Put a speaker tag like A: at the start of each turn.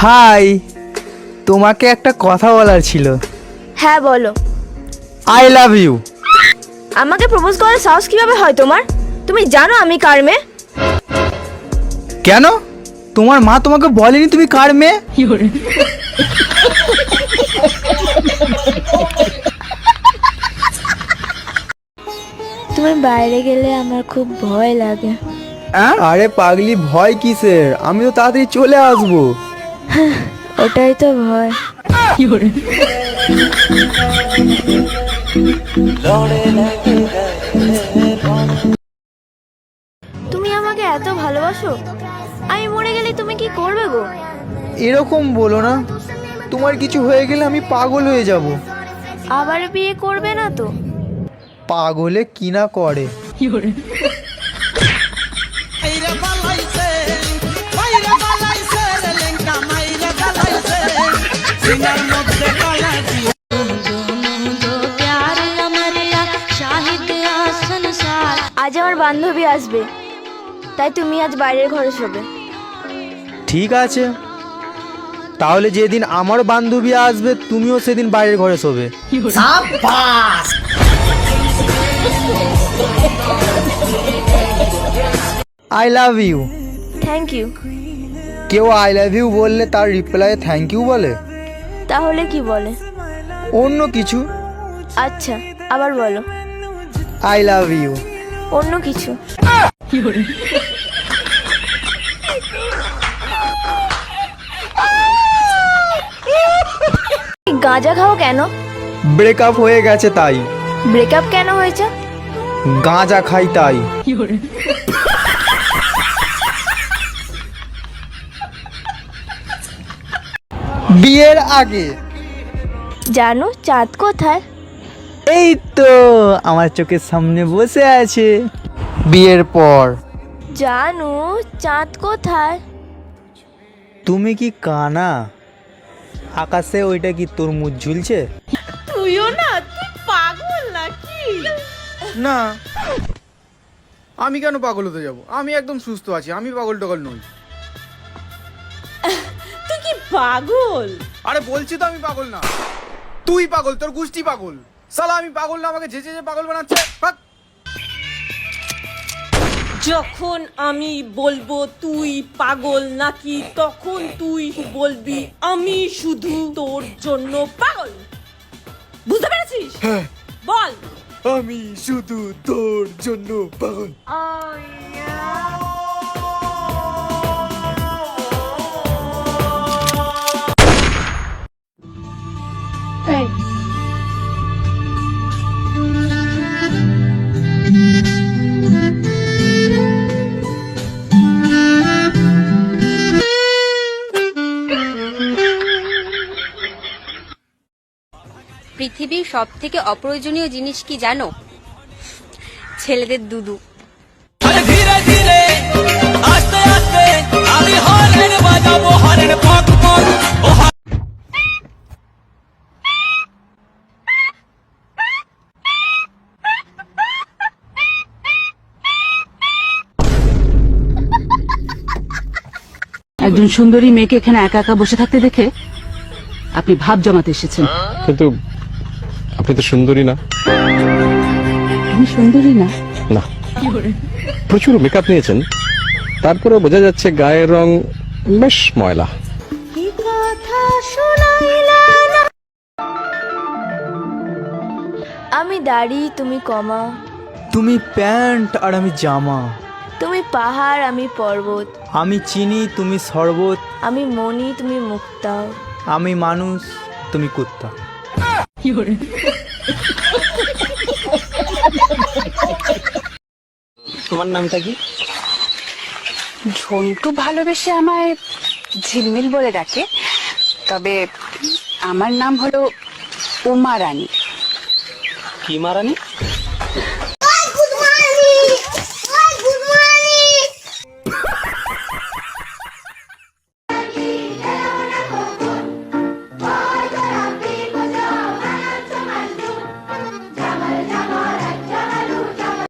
A: High, তোমাকে একটা কথা বলার ছিল।
B: হ্যাঁ বলো।
A: I love you.
B: আমাকে প্রপোজ করার সাহস কিভাবে হয় তোমার? তুমি জানো আমি কার মেয়ে?
A: কেন, তোমার মা তোমাকে বলেনি তুমি কার মেয়ে?
B: তুমি বাইরে গেলে আমার খুব ভয় লাগে।
A: আরে পাগলি, ভয় কিসের? আমি তো তাড়াতাড়ি চলে আসবো।
B: ওটাই তো ভয়। তুমি আমাকে এত ভালোবাসো, আমি মরে গেলে তুমি কি করবে গো?
A: এরকম বলো না, তোমার কিছু হয়ে গেলে আমি পাগল হয়ে যাব।
B: আবার বিয়ে করবে না তো?
A: পাগলে কি না করে।
B: আজ আমার বান্ধবী আসবে, তাই তুমি আজ বাইরের ঘরে শোবে।
A: ঠিক আছে, তাহলে যেদিন আমার বান্ধবী আসবে তুমিও সেদিন বাইরের ঘরে শোবে। I love you.
B: Thank you.
A: কেউ আই লাভ ইউ বললে তার রিপ্লাই থ্যাংক ইউ বলে?
B: তাহলে কি বলে?
A: অন্য কিছু।
B: আচ্ছা, আবার বলো।
A: I love you.
B: অন্য কিছু। গাঁজা খাও কেন?
A: ব্রেকআপ হয়ে গেছে তাই।
B: ব্রেকআপ কেন হয়েছে?
A: গাঁজা খাই তাই। বিয়ের আগে
B: জানো চাঁদ কোথায়?
A: এই তো আমার চোখের সামনে বসে আছে। বিয়ের পর
B: জানো চাঁদ কোথায়?
A: তুমি কি কানা? আকাশে ওইটা কি তরমুজ ঝুলছে?
C: তুইও না, তুই পাগল নাকি?
D: না, আমি কেন পাগল হতে যাব? আমি একদম সুস্থ আছি, আমি পাগল টাগল নই।
C: তুই কি পাগল?
D: আরে বলছি তো আমি পাগল না। তুই পাগল, তোর গোষ্ঠী পাগল। শালা আমি পাগল না, আমাকে যেচে যে পাগল বানাচ্ছে। ভাগ।
C: যখন আমি বলবো তুই পাগল নাকি, তখন তুই বলবি আমি শুধু তোর জন্য পাগল। বুঝতে পেরেছিস? বল।
D: আমি শুধু তোর জন্য পাগল।
E: পৃথিবীর সব থেকে অপ্রয়োজনীয় জিনিস কি জানো? ছেলেদের দুদু।
F: ধীরে ধীরে আস্তে আস্তে আমি হরেন বাজাবো, হরেন পক পক।
G: একজন সুন্দরী মেয়েকে এখানে একা একা বসে থাকতে দেখে আপনি ভাব জমাতে এসেছেন।
H: কিন্তু আপনি তো সুন্দরী না।
G: আমি সুন্দরী না?
H: না, প্রচুর মেকআপ নিয়েছেন, তারপরেও বোঝা যাচ্ছে গায়ের রং বেশ ময়লা।
B: আমি দাড়ি, তুমি কমা।
A: তুমি প্যান্ট আর আমি জামা।
B: তুমি পাহাড়, আমি পর্বত।
A: আমি চিনি, তুমি শরবত।
B: আমি মনি, তুমি মুক্তা।
A: আমি মানুষ, তুমি কুত্তা।
I: তোমার নামটা কি?
G: ঝন্টু ভালোবেসে আমায় ঝিলমিল বলে ডাকে, তবে আমার নাম হলো উমা রানী।
I: কি মারানি?